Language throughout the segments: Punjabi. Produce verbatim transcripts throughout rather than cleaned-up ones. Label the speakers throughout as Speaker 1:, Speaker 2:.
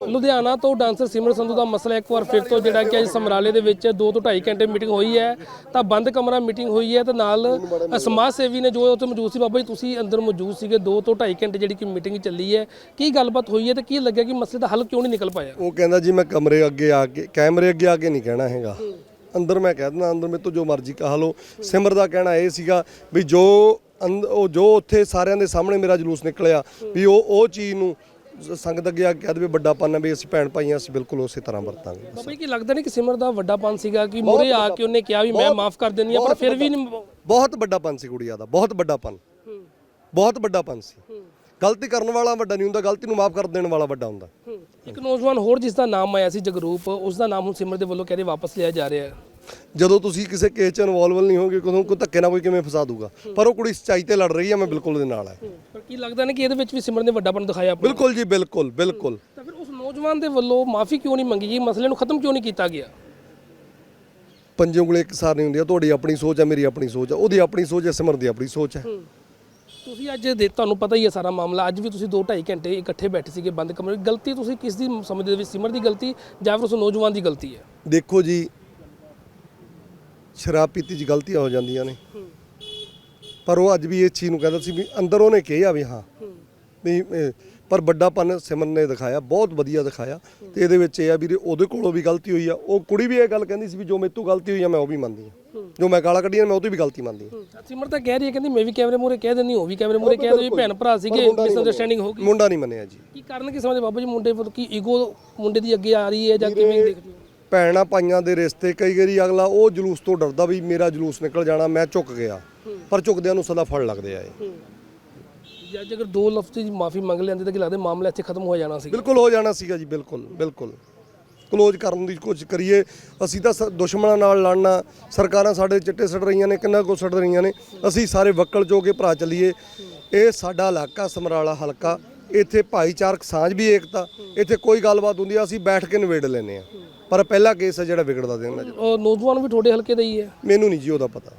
Speaker 1: ਲੁਧਿਆਣਾ ਤੋਂ ਡਾਂਸਰ ਸਿਮਰ ਸੰਧੂ ਦਾ ਮਸਲਾ ਇੱਕ ਵਾਰ ਫਿਰ ਤੋਂ ਜਿਹੜਾ ਕਿ ਅੱਜ ਸਮਰਾਲੇ ਦੇ ਵਿੱਚ ਦੋ ਤੋਂ ਢਾਈ ਘੰਟੇ ਮੀਟਿੰਗ ਹੋਈ ਹੈ ਤਾਂ ਬੰਦ ਕਮਰਾ ਮੀਟਿੰਗ ਹੋਈ ਹੈ ਤੇ ਨਾਲ ਸਮਾਜ ਸੇਵੀ ਨੇ ਜੋ ਉੱਥੇ ਮੌਜੂਦ ਸੀ। ਬਾਬਾ ਜੀ ਤੁਸੀਂ ਅੰਦਰ ਮੌਜੂਦ ਸੀਗੇ, ਦੋ ਤੋਂ ਢਾਈ ਘੰਟੇ ਜਿਹੜੀ ਕਿ ਮੀਟਿੰਗ ਚੱਲੀ ਹੈ, ਕੀ ਗੱਲਬਾਤ ਹੋਈ ਹੈ ਤੇ ਕੀ ਲੱਗਿਆ ਕਿ ਮਸਲੇ ਦਾ ਹੱਲ ਕਿਉਂ ਨਹੀਂ ਨਿਕਲ ਪਾਇਆ?
Speaker 2: ਉਹ ਕਹਿੰਦਾ ਜੀ ਮੈਂ ਕਮਰੇ ਅੱਗੇ ਆ ਕੇ ਕੈਮਰੇ ਅੱਗੇ ਆ ਕੇ ਨਹੀਂ ਕਹਿਣਾ ਹੈਗਾ, ਅੰਦਰ ਮੈਂ ਕਹਿ ਦਿੰਦਾ, ਅੰਦਰ ਮੇਰੇ ਤੋਂ ਜੋ ਮਰਜ਼ੀ ਕਹਾ ਲਓ। ਸਿਮਰ ਦਾ ਕਹਿਣਾ ਇਹ ਸੀਗਾ ਵੀ ਜੋ ਉਹ ਜੋ ਉੱਥੇ ਸਾਰਿਆਂ ਦੇ ਸਾਹਮਣੇ ਮੇਰਾ ਜਲੂਸ ਨਿਕਲਿਆ ਵੀ ਉਹ ਉਹ ਚੀਜ਼ ਨੂੰ ਸੰਗਤ ਅੱਗੇ ਆ ਕੇ ਕਹਿ ਦੇਵੇ ਵੱਡਾਪਨ ਹੈ ਵੀ ਅਸੀਂ ਭੈਣ ਭਾਈਆਂ ਅਸੀਂ ਬਿਲਕੁਲ ਉਸੇ ਤਰ੍ਹਾਂ ਵਰਤਾਂਗੇ।
Speaker 1: ਬਾਬਾ ਜੀ ਕੀ ਲੱਗਦਾ ਨਹੀਂ ਕਿ ਸਿਮਰ ਦਾ ਵੱਡਾਪਨ ਸੀਗਾ ਕਿ ਮੂਹਰੇ ਆ ਕੇ ਉਹਨੇ ਕਿਹਾ ਵੀ ਮੈਂ ਮਾਫ ਕਰ ਦਿੰਦੀ ਆ, ਪਰ ਫਿਰ ਵੀ ਨਹੀਂ।
Speaker 2: ਬਹੁਤ ਵੱਡਾਪਨ ਸੀ ਗੁੜੀਆ ਦਾ, ਬਹੁਤ ਵੱਡਾਪਨ, ਬਹੁਤ ਵੱਡਾਪਨ ਸੀ। ਗਲਤੀ ਕਰਨ ਵਾਲਾ ਵੱਡਾ ਨਹੀਂ ਹੁੰਦਾ, ਗਲਤੀ ਨੂੰ ਮਾਫ ਕਰ ਦੇਣ ਵਾਲਾ ਵੱਡਾ ਹੁੰਦਾ।
Speaker 1: ਇੱਕ ਨੌਜਵਾਨ ਹੋਰ ਜਿਸ ਦਾ ਨਾਮ ਆਇਆ ਸੀ ਜਗਰੂਪ, ਉਸ ਦਾ ਨਾਮ ਹੁਣ ਸਿਮਰ ਦੇ ਵੱਲੋਂ ਕਹਿੰਦੇ ਵਾਪਸ ਲਿਆ ਜਾ ਰਿਹਾ ਹੈ।
Speaker 2: ਜਦੋਂ ਤੁਸੀਂ ਕਿਸੇ ਕੇਸ 'ਚ ਇਨਵੋਲਵ ਨਹੀਂ ਹੋਗੇ ਕਦੋਂ ਕੋਈ ਧੱਕੇ ਨਾਲ ਕੋਈ ਕਿਵੇਂ ਫਸਾ ਦੂਗਾ, ਪਰ ਉਹ ਕੁੜੀ ਸੱਚਾਈ ਤੇ ਲੜ ਰਹੀ ਹੈ, ਮੈਂ ਬਿਲਕੁਲ ਉਹਦੇ ਨਾਲ ਹੈ।
Speaker 1: ਪਰ ਕੀ ਲੱਗਦਾ ਨਹੀਂ ਕਿ ਇਹਦੇ ਵਿੱਚ ਵੀ ਸਿਮਰ ਨੇ ਵੱਡਾਪਨ ਦਿਖਾਇਆ?
Speaker 2: ਬਿਲਕੁਲ ਜੀ, ਬਿਲਕੁਲ ਬਿਲਕੁਲ।
Speaker 1: ਤਾਂ ਫਿਰ ਉਸ ਨੌਜਵਾਨ ਦੇ ਵੱਲੋਂ ਮਾਫੀ ਕਿਉਂ ਨਹੀਂ ਮੰਗੀ ਗਈ, ਮਸਲੇ ਨੂੰ ਖਤਮ ਕਿਉਂ ਨਹੀਂ ਕੀਤਾ ਗਿਆ?
Speaker 2: ਪੰਜੇ ਉਂਗਲੇ ਇੱਕ ਸਾਰ ਨਹੀਂ ਹੁੰਦੀਆਂ, ਤੁਹਾਡੀ ਆਪਣੀ ਸੋਚ ਹੈ, ਮੇਰੀ ਆਪਣੀ ਸੋਚ ਹੈ, ਉਹਦੀ ਆਪਣੀ ਸੋਚ ਹੈ, ਸਿਮਰ ਦੀ ਆਪਣੀ ਸੋਚ ਹੈ।
Speaker 1: ਤੁਸੀਂ ਅੱਜ ਦੇ ਤੁਹਾਨੂੰ ਪਤਾ ਹੀ ਹੈ ਸਾਰਾ ਮਾਮਲਾ, ਅੱਜ ਵੀ ਤੁਸੀਂ ਦੋ ਢਾਈ ਘੰਟੇ ਇਕੱਠੇ ਬੈਠੇ ਸੀਗੇ ਬੰਦ ਕਮਰੇ ਵਿੱਚ। ਗਲਤੀ ਤੁਸੀਂ ਕਿਸ ਦੀ ਸਮਝਦੇ ਹੋ, ਸਿਮਰ ਦੀ ਗਲਤੀ ਜਾਂ ਫਿਰ ਉਸ ਨੌਜਵਾਨ ਦੀ ਗਲਤੀ ਹੈ?
Speaker 2: ਦੇਖੋ ਜੀ, ਸ਼ਰਾਬ ਪੀਤੀ 'ਚ ਗਲਤੀਆਂ ਹੋ ਜਾਂਦੀਆਂ ਨੇ, ਪਰ ਉਹ ਅੱਜ ਵੀ ਇਸ ਚੀਜ਼ ਨੂੰ ਕਹਿੰਦਾ ਸੀ ਵੀ ਅੰਦਰ ਉਹਨੇ ਕਿਹਾ ਵੀ ਹਾਂ ਵੀ ਪਰ ਵੱਡਾਪਨ ਸਿਮਰ ਨੇ ਦਿਖਾਇਆ, ਬਹੁਤ ਵਧੀਆ ਦਿਖਾਇਆ। ਤੇ ਇਹਦੇ ਵਿੱਚ ਇਹ ਆ ਵੀ ਉਹਦੇ ਕੋਲੋਂ ਵੀ ਗਲਤੀ ਹੋਈ ਆ, ਉਹ ਕੁੜੀ ਵੀ ਇਹ ਗੱਲ ਕਹਿੰਦੀ ਸੀ ਵੀ ਜੋ ਮੇਰੇ ਤੋਂ ਗਲਤੀ ਹੋਈ ਆ ਮੈਂ ਉਹ ਵੀ ਮੰਨਦੀ ਹਾਂ, ਜੋ ਮੈਂ ਗਾਲਾਂ ਕੱਢੀਆਂ ਮੈਂ ਉਹ ਤੋਂ ਵੀ ਗਲਤੀ ਮੰਨਦੀ ਹਾਂ।
Speaker 1: ਸਿਮਰ ਤਾਂ ਕਹਿ ਰਹੀ ਹੈ, ਕਹਿੰਦੀ ਮੈਂ ਵੀ ਕੈਮਰੇ ਮੂਹਰੇ ਕਹਿ ਦਿੰਦੀ, ਉਹ ਵੀ ਕੈਮਰੇ ਮੂਹਰੇ ਕਹਿ ਦਿੰਦੀ, ਭੈਣ ਭਰਾ ਸੀਗੇ, ਮਿਸਅੰਡਰਸਟੈਂਡਿੰਗ ਹੋ ਗਈ।
Speaker 2: ਮੁੰਡਾ ਨਹੀਂ ਮੰਨਿਆ ਜੀ।
Speaker 1: ਕੀ ਕਾਰਨ ਕੀ ਸਮਝਦੇ ਬਾਬਾ ਜੀ ਮੁੰਡੇ ਵੱਲੋਂ, ਕੀ ਈਗੋ ਮੁੰਡੇ ਦੀ ਅੱਗੇ ਆ ਰਹੀ ਹੈ ਜਾਂ ਕਿਵੇਂ ਦੇਖਦੇ ਹੋ?
Speaker 2: ਭੈਣਾਂ ਭਾਈਆਂ ਦੇ ਰਿਸ਼ਤੇ ਕਈ ਵਾਰੀ ਅਗਲਾ ਉਹ ਜਲੂਸ ਤੋਂ ਡਰਦਾ ਵੀ ਮੇਰਾ ਜਲੂਸ ਨਿਕਲ ਜਾਣਾ, ਮੈਂ ਝੁਕ ਗਿਆ, ਪਰ ਝੁਕਦਿਆਂ ਨੂੰ ਸਦਾ ਫੜ ਲੱਗਦੇ ਆ ਇਹ।
Speaker 1: ਜੱਜ ਅਗਰ ਦੋ ਲਫ਼ਜ਼ ਦੀ ਮਾਫੀ ਮੰਗ ਲੈਂਦੇ ਤਾਂ ਕੀ ਲੱਗਦਾ ਮਾਮਲਾ ਇੱਥੇ ਖਤਮ ਹੋ ਜਾਣਾ ਸੀ?
Speaker 2: ਬਿਲਕੁਲ ਹੋ ਜਾਣਾ ਸੀਗਾ ਜੀ, ਬਿਲਕੁਲ ਬਿਲਕੁਲ ਕਲੋਜ਼ ਕਰਨ ਦੀ ਕੋਸ਼ਿਸ਼ ਕਰੀਏ। ਅਸੀਂ ਤਾਂ ਸ- ਦੁਸ਼ਮਣਾਂ ਨਾਲ ਲੜਨਾ, ਸਰਕਾਰਾਂ ਸਾਡੇ ਚਿੱਟੇ ਸੜ ਰਹੀਆਂ ਨੇ, ਕਿੰਨਾ ਕੁ ਸੜ ਰਹੀਆਂ ਨੇ, ਅਸੀਂ ਸਾਰੇ ਵਕਲ ਜੋ ਕੇ ਭਰਾ ਚੱਲੀਏ। ਇਹ ਸਾਡਾ ਇਲਾਕਾ ਸਮਰਾਲਾ ਹਲਕਾ, ਇੱਥੇ ਭਾਈਚਾਰਕ ਸਾਂਝ ਵੀ ਏਕਤਾ, ਇੱਥੇ ਕੋਈ ਗੱਲਬਾਤ ਹੁੰਦੀ ਆ ਅਸੀਂ ਬੈਠ ਕੇ ਨਿਬੇੜ ਲੈਂਦੇ ਆ, ਪਰ ਪਹਿਲਾ ਕੇਸ ਹੈ ਜਿਹੜਾ ਵਿਗੜਦਾ ਦੇਣਾ।
Speaker 1: ਉਹ ਨੌਜਵਾਨ ਵੀ ਤੁਹਾਡੇ ਹਲਕੇ ਦਾ ਹੀ ਹੈ?
Speaker 2: ਮੈਨੂੰ ਨਹੀਂ ਜੀ ਉਹਦਾ ਪਤਾ,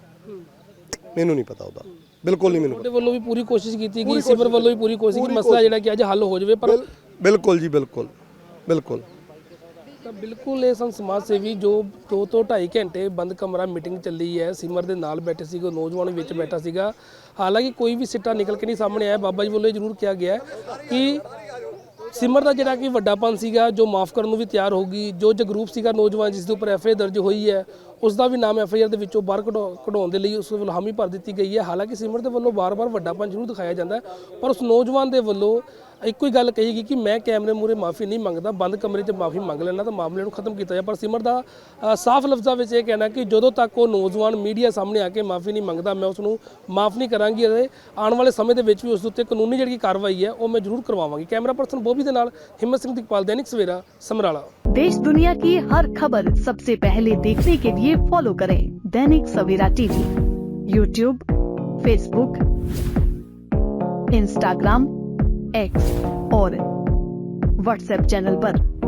Speaker 2: ਮੈਨੂੰ ਨਹੀਂ ਪਤਾ ਉਹਦਾ, ਬਿਲਕੁਲ ਨਹੀਂ ਮੈਨੂੰ
Speaker 1: ਤੁਹਾਡੇ ਵੱਲੋਂ ਵੀ ਪੂਰੀ ਕੋਸ਼ਿਸ਼ ਕੀਤੀ ਗਈ, ਸਿਮਰ ਵੱਲੋਂ ਵੀ ਪੂਰੀ ਕੋਸ਼ਿਸ਼ ਕਿ ਮਸਲਾ ਜਿਹੜਾ ਕਿ ਅੱਜ ਹੱਲ ਹੋ ਜਾਵੇ, ਪਰ
Speaker 2: ਬਿਲਕੁਲ ਜੀ, ਬਿਲਕੁਲ ਬਿਲਕੁਲ।
Speaker 1: ਤਾਂ ਬਿਲਕੁਲ ਇਹ ਸਨ ਸਮਾਜ ਸੇਵੀ ਜੋ ਦੋ ਤੋਂ ਢਾਈ ਘੰਟੇ ਬੰਦ ਕਮਰਾ ਮੀਟਿੰਗ ਚੱਲੀ ਹੈ। ਸਿਮਰ ਦੇ ਨਾਲ ਬੈਠੇ ਸੀਗੇ, ਉਹ ਨੌਜਵਾਨ ਵਿੱਚ ਬੈਠਾ ਸੀਗਾ। ਹਾਲਾਂਕਿ ਕੋਈ ਵੀ ਸਿੱਟਾ ਨਿਕਲ ਕੇ ਨਹੀਂ ਸਾਹਮਣੇ ਆਇਆ। ਬਾਬਾ ਜੀ ਵੱਲੋਂ ਇਹ ਜ਼ਰੂਰ ਕਿਹਾ ਗਿਆ ਕਿ ਸਿਮਰ ਦਾ ਜਿਹੜਾ ਕਿ ਵੱਡਾਪਨ ਸੀਗਾ ਜੋ ਮਾਫ ਕਰਨ ਨੂੰ ਵੀ ਤਿਆਰ ਹੋਊਗੀ। ਜੋ ਜਗਰੂਪ ਸੀਗਾ ਨੌਜਵਾਨ ਜਿਸ ਦੇ ਉੱਪਰ ਐਫ ਆਈ ਆਰ ਦਰਜ ਹੋਈ ਹੈ, ਉਸ ਦਾ ਵੀ ਨਾਮ ਐਫ ਆਈ ਆਰ ਦੇ ਵਿੱਚੋਂ ਬਾਹਰ ਕਢਾਉਣ ਦੇ ਲਈ ਉਸ ਵੱਲੋਂ ਹਾਮੀ ਭਰ ਦਿੱਤੀ ਗਈ ਹੈ। ਹਾਲਾਂਕਿ ਸਿਮਰ ਦੇ ਵੱਲੋਂ ਵਾਰ-ਵਾਰ ਵੱਡਾਪਨ ਜ਼ਰੂਰ ਦਿਖਾਇਆ ਜਾਂਦਾ ਹੈ, ਪਰ ਉਸ ਨੌਜਵਾਨ ਦੇ ਵੱਲੋਂ ਇੱਕੋ ਹੀ ਗੱਲ ਕਹੀ ਗਈ ਕਿ ਮੈਂ ਕੈਮਰੇ ਮੂਹਰੇ ਮਾਫੀ ਨਹੀਂ ਮੰਗਦਾ, ਬੰਦ ਕਮਰੇ 'ਚ ਮਾਫੀ ਮੰਗ ਲੈਣਾ ਤਾਂ ਮਾਮਲੇ ਨੂੰ ਖਤਮ ਕੀਤਾ ਜਾਏ। ਪਰ ਸਿਮਰ ਦਾ ਸਾਫ਼ ਲਫ਼ਜ਼ਾਂ ਵਿੱਚ ਇਹ ਕਹਿਣਾ ਕਿ ਜਦੋਂ ਤੱਕ ਉਹ ਨੌਜਵਾਨ ਮੀਡੀਆ ਸਾਹਮਣੇ ਆ ਕੇ ਮਾਫੀ ਨਹੀਂ ਮੰਗਦਾ, ਮੈਂ ਉਸ ਨੂੰ ਮਾਫ ਨਹੀਂ ਕਰਾਂਗੀ ਅਤੇ ਆਉਣ ਵਾਲੇ ਸਮੇਂ ਦੇ ਵਿੱਚ ਵੀ ਉਸ ਦੇ ਉੱਤੇ ਕਾਨੂੰਨੀ ਜਿਹੜੀ ਕਾਰਵਾਈ ਹੈ ਉਹ ਮੈਂ ਜ਼ਰੂਰ ਕਰਵਾਵਾਂਗੀ। ਕੈਮਰਾ ਪਰਸਨ ਬੋਬੀ ਦੇ ਨਾਲ ਹਿੰਮਤ ਸਿੰਘ ਦਿਕਪਾਲ, दैनिक सवेरा, समराला।
Speaker 3: देश दुनिया की हर खबर सबसे पहले देखने के लिए फॉलो करें Dainik Savera TV, YouTube, Facebook, Instagram, X और व्हाट्सएप चैनल पर।